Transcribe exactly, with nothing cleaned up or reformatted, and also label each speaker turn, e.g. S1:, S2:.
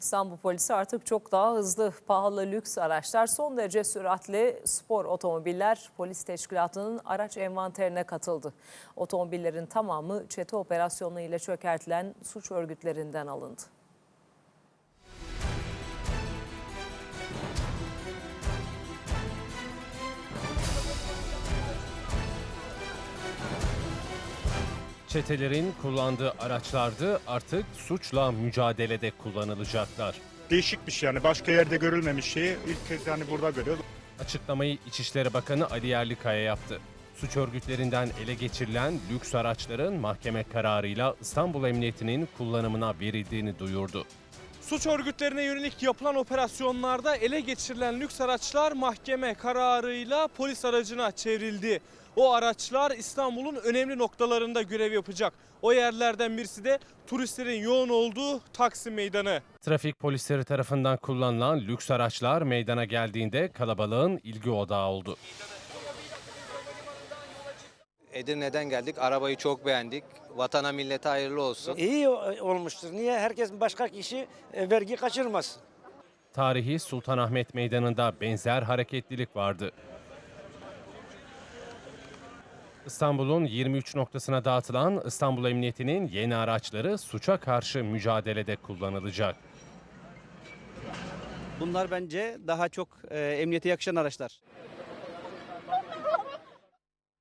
S1: İstanbul polisi artık çok daha hızlı, pahalı lüks araçlar, son derece süratli spor otomobiller polis teşkilatının araç envanterine katıldı. Otomobillerin tamamı çete operasyonu ile çökertilen suç örgütlerinden alındı.
S2: Çetelerin kullandığı araçlardı, artık suçla mücadelede kullanılacaklar.
S3: Değişik bir şey yani, başka yerde görülmemiş şeyi ilk kez yani burada görüyoruz.
S2: Açıklamayı İçişleri Bakanı Ali Yerlikaya yaptı. Suç örgütlerinden ele geçirilen lüks araçların mahkeme kararıyla İstanbul Emniyeti'nin kullanımına verildiğini duyurdu.
S4: Suç örgütlerine yönelik yapılan operasyonlarda ele geçirilen lüks araçlar mahkeme kararıyla polis aracına çevrildi. O araçlar İstanbul'un önemli noktalarında görev yapacak. O yerlerden birisi de turistlerin yoğun olduğu Taksim Meydanı.
S2: Trafik polisleri tarafından kullanılan lüks araçlar meydana geldiğinde kalabalığın ilgi odağı oldu.
S5: Edirne'den geldik. Arabayı çok beğendik. Vatana millete hayırlı olsun.
S6: İyi olmuştur. Niye? Herkes başka kişi e, vergi kaçırmaz.
S2: Tarihi Sultanahmet Meydanı'nda benzer hareketlilik vardı. İstanbul'un yirmi üç noktasına dağıtılan İstanbul Emniyeti'nin yeni araçları suça karşı mücadelede kullanılacak.
S7: Bunlar bence daha çok e, emniyete yakışan araçlar.